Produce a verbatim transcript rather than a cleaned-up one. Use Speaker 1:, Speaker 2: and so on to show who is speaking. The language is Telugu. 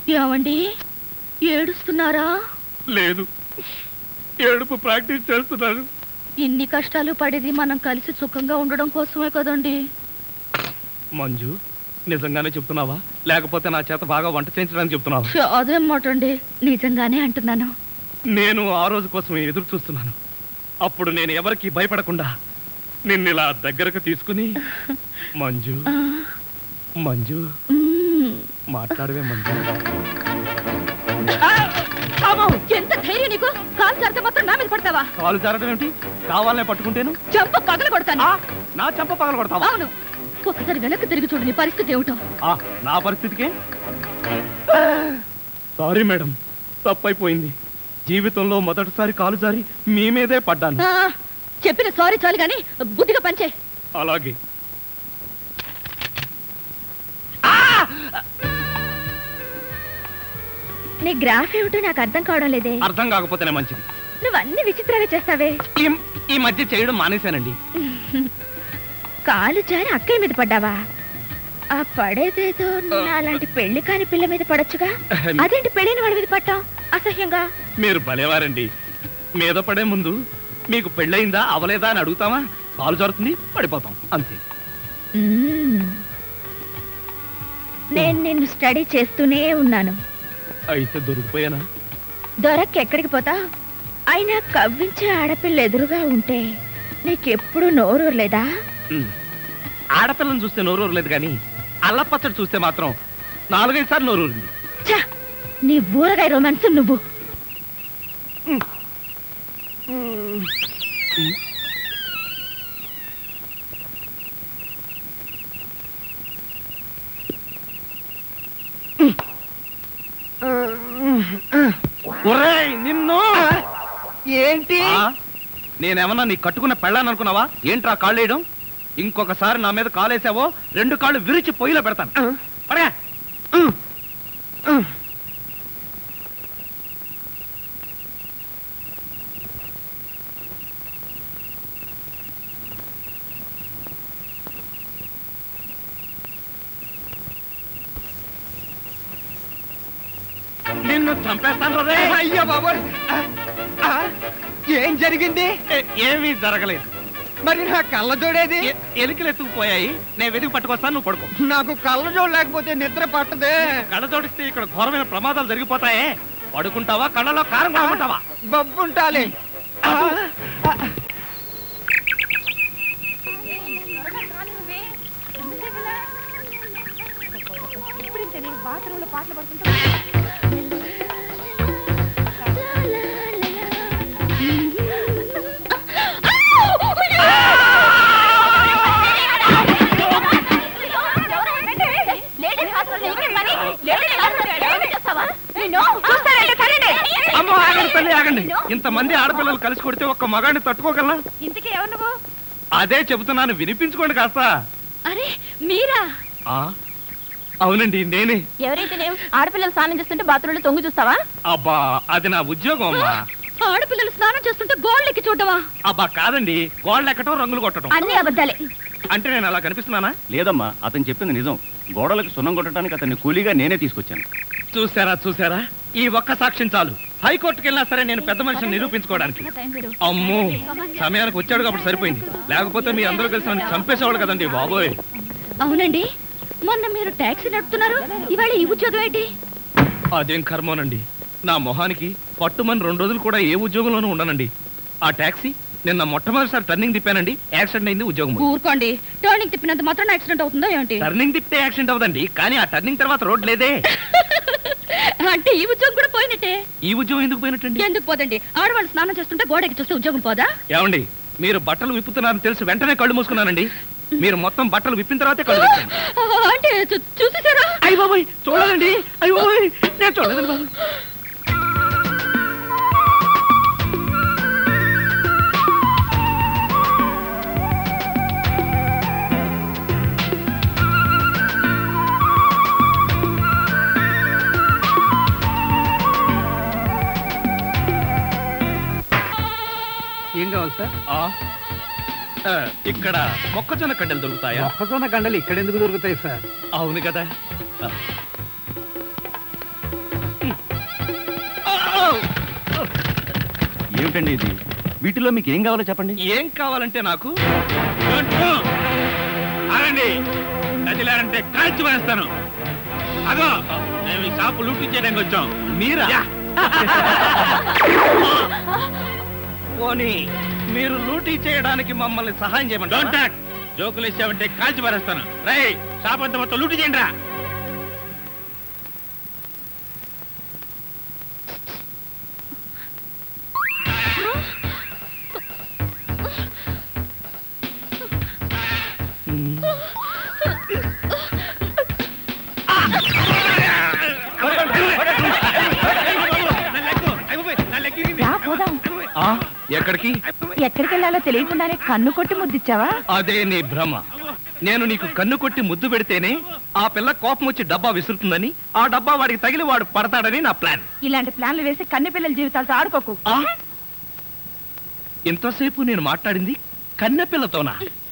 Speaker 1: ఏమండి ఏడుస్తున్నారా?
Speaker 2: లేదు, ఏడుపు ప్రాక్టీస్ చేస్తున్నాను.
Speaker 1: ఇన్ని కష్టాలు పడేది మనం కలిసి సుఖంగా ఉండడం కోసమే కదండి.
Speaker 2: మంజు, నిజంగానే చెప్తున్నావా లేకపోతే నా చేత బాగా వంట చేయించడానికి చెప్తున్నావా?
Speaker 1: అదేం మాట అండి, నిజంగానే అంటున్నాను.
Speaker 2: నేను ఆ రోజు కోసం ఎదురు చూస్తున్నాను. అప్పుడు నేను ఎవరికి భయపడకుండా నిన్ను ఇలా దగ్గరకు తీసుకుని మంజు మంజు మాట్లాడవే మంజు.
Speaker 1: ఎంత ధైర్యం నీకు? కాలు జారితే మాత్రం నా మీద పడతావా?
Speaker 2: కాలు జారడం ఏమిటి? కావాలనే పట్టుకుంటేను
Speaker 1: చెంప పగల కొడతాను.
Speaker 2: నా చెంప పగల కొడతావా?
Speaker 1: అవును. ఒకసారి వెనక్కి తిరిగి చూడు, నీ పరిస్థితి ఏమిటో.
Speaker 2: నా పరిస్థితికే సారీ మేడం, తప్పైపోయింది. జీవితంలో మొదటిసారి కాలు జారి మీ మీదే పడ్డాను.
Speaker 1: చెప్పిన సారీ చాలు గాని బుద్ధిగా పంచే.
Speaker 2: అలాగే.
Speaker 1: నీ గ్రాఫ్ ఏమిటో నాకు అర్థం కావడం లేదే.
Speaker 2: అర్థం కాకపోతేనే మంచిది.
Speaker 1: నువ్వు అన్ని విచిత్రంగా చేస్తావే.
Speaker 2: ఈ మధ్య చేయడం మానేశానండి.
Speaker 1: కాలు జారి అక్కయ్య మీద పడ్డావా? ఆ పడేదేదో అలాంటి పెళ్లి కాని పిల్ల మీద పడొచ్చుగా, అదేంటి పెళ్ళైన వాడి మీద పట్టాం అసహ్యంగా?
Speaker 2: మీరు భలేవారండి. మీద పడే ముందు మీకు పెళ్ళయిందా అవలేదా అని అడుగుతామా? కాలు జారుతుంది, పడిపోతాం అంతే.
Speaker 1: నేను నిన్ను స్టడీ చేస్తూనే ఉన్నాను.
Speaker 2: అయితే దొరికిపోయానా?
Speaker 1: దొరక్క ఎక్కడికి పోతా? అయినా కవ్వించే ఆడపిల్ల ఎదురుగా ఉంటే నీకెప్పుడు నోరూరలేదా?
Speaker 2: ఆడపిల్లని చూస్తే నోరూరలేదు కానీ అల్లపచ్చడి చూస్తే మాత్రం నాలుగైదు సార్లు నోరూరింది.
Speaker 1: నీ ఊరగాయ రొమాన్స్ నువ్వు.
Speaker 2: నిన్ను
Speaker 3: ఏంటి?
Speaker 2: నేనేమన్నా నీ కట్టుకున్న పెళ్ళాను అనుకున్నావా? ఏంట్రా కాళ్ళు వేయడం? ఇంకొకసారి నా మీద కాలేసావో రెండు కాళ్ళు విరిచి పొయ్యిలో పెడతాను. పడగా నిన్ను చంపేస్తాను రే.
Speaker 3: అయ్యా బాబోయ్, ఏం జరిగింది?
Speaker 2: ఏమీ జరగలేదు.
Speaker 3: మరి నా కళ్ళ జోడేది?
Speaker 2: ఎలికలు ఎత్తుకుపోయాయి, నేను వెతికి పట్టుకొస్తాను, నువ్వు పడుకో.
Speaker 3: నాకు కళ్ళ జోడు లేకపోతే నిద్ర పట్టదే.
Speaker 2: కళ్ళ జోడిస్తే ఇక్కడ ఘోరమైన ప్రమాదాలు జరిగిపోతాయే. పడుకుంటావా కళ్ళలో కారం కొనుకుంటావా?
Speaker 3: బబ్బుంటాలి.
Speaker 1: బాత్రూంలో పాటలు పడుకుంటా.
Speaker 2: ఇంతమంది ఆడపిల్లలు కలిసి కొడితే ఒక్క మగాడిని తట్టుకోగలనా?
Speaker 1: ఇంతకీ ఎవరు నువ్వు?
Speaker 2: అదే చెబుతున్నాను, వినిపించుకోండి కాస్త.
Speaker 1: అరే మీరా?
Speaker 2: అవునండి నేనే.
Speaker 1: ఎవరైతే ఆడపిల్లలు స్నానం చేస్తుంటే బాత్రూంలో తొంగి చూస్తావా?
Speaker 2: అబ్బా అది నా ఉద్యోగం అమ్మా.
Speaker 1: ఆడపిల్లలు స్నానం చేస్తుంటే గోళ్ళెక్కి చూడవా?
Speaker 2: అబ్బా కాదండి, గోళ్ళు ఎక్కటం రంగులు కొట్టడం.
Speaker 1: అన్ని అబద్ధాలే.
Speaker 2: అంటే నేను అలా కనిపిస్తున్నానా?
Speaker 4: లేదమ్మా, అతను చెప్పింది నిజం. గోడలకు సున్నం కొట్టడానికి అతన్ని కూలీగా నేనే తీసుకొచ్చాను.
Speaker 2: చూసారా చూసారా, ఈ ఒక్క సాక్ష్యం చాలు హైకోర్టుకి వెళ్ళినా సరే నేను పెద్ద మనిషిని నిరూపించుకోవడానికి. అమ్మో, సమయానికి వచ్చాడు కాబట్టి సరిపోయింది, లేకపోతే మీ అందరూ కలిసి నన్ను చంపేసేవాళ్ళు కదండి బాబోయ్.
Speaker 1: అవునండి, మొన్న మీరు టాక్సీ నడుపుతున్నారు, ఇవాళ ఈ ఉద్యోగం ఏంటి?
Speaker 2: అదేం కర్మోనండి, నా మొహానికి పట్టుమని రెండు రోజులు కూడా ఏ ఉద్యోగంలోనూ ఉండనండి. ఆ టాక్సీ నిన్న మొట్టమొదటిసారి టర్నింగ్ తిప్పానండి, యాక్సిడెంట్ అయింది, ఉద్యోగం.
Speaker 1: ఊరుకోండి, టర్నింగ్ తిప్పినంత మాత్రం యాక్సిడెంట్ అవుతుందో ఏంటి?
Speaker 2: టర్నింగ్ తిప్పితే యాక్సిడెంట్ అవుదండి, కానీ ఆ టర్నింగ్ తర్వాత రోడ్ లేదే.
Speaker 1: అంటే ఈ ఉద్యోగం కూడా పోయినట్టే.
Speaker 2: ఈ ఉద్యోగం ఎందుకు పోయినట్టండి?
Speaker 1: ఎందుకు పోదండి, ఆడవాళ్ళు స్నానం చేస్తుంటే గోడకి చూస్తే ఉద్యోగం పోదా?
Speaker 2: ఏమండి, మీరు బట్టలు విప్పుతున్నారని తెలిసి వెంటనే కళ్ళు మూసుకున్నానండి. మీరు మొత్తం బట్టలు విప్పిన తర్వాతే కళ్ళు తెరిచాను.
Speaker 1: అంటే చూసేసారా?
Speaker 2: అయ్య బాబోయ్, చూడదండి. అయ్య బాబోయ్, నేను చూడదండి బాబు.
Speaker 3: ఏం కావాలి సార్?
Speaker 2: ఇక్కడ మొక్కజొన్న కండలు దొరుకుతాయా?
Speaker 3: మొక్కజొన్న కండలు ఇక్కడ ఎందుకు దొరుకుతాయి సార్?
Speaker 2: అవును కదా.
Speaker 4: ఏమిటండి ఇది? వీటిలో మీకు ఏం కావాలో చెప్పండి.
Speaker 2: ఏం కావాలంటే నాకు
Speaker 5: ఆగండి, నదిలారంటే కాల్చి వేస్తాను. అదో మేము ఈ షాపు లూటీ చేయడానికి వచ్చాం.
Speaker 2: మీరా?
Speaker 5: యా.
Speaker 2: పోనీ మీరు లూటీ చేయడానికి మమ్మల్ని సహాయం
Speaker 5: డోంట్
Speaker 2: చేయమంటారా?
Speaker 5: టాక్. జోకులు ఇచ్చావంటే కాల్చి పారేస్తాను. రై, షాప్ అంతా మొత్తం లూటీ చేయండి రా.
Speaker 1: రా పోదాం.
Speaker 2: ఆ, ఎక్కడికి?
Speaker 1: ఎక్కడికి వెళ్ళాలో తెలియకుండానే కన్ను కొట్టి ముద్దిచ్చావా?
Speaker 2: అదే నీ భ్రమ. నేను నీకు కన్ను కొట్టి ముద్దు పెడితేనే ఆ పిల్ల కోపం వచ్చి డబ్బా విసురుతుందని, ఆ డబ్బా వాడికి తగిలి వాడు పడతాడని నా ప్లాన్.
Speaker 1: ఇలాంటి ప్లాన్లు వేసి కన్నె పిల్లల జీవితాలతో ఆడుకోకు.
Speaker 2: ఆ? ఇంతసేపు నేను మాట్లాడింది కన్నె పిల్లతోనా?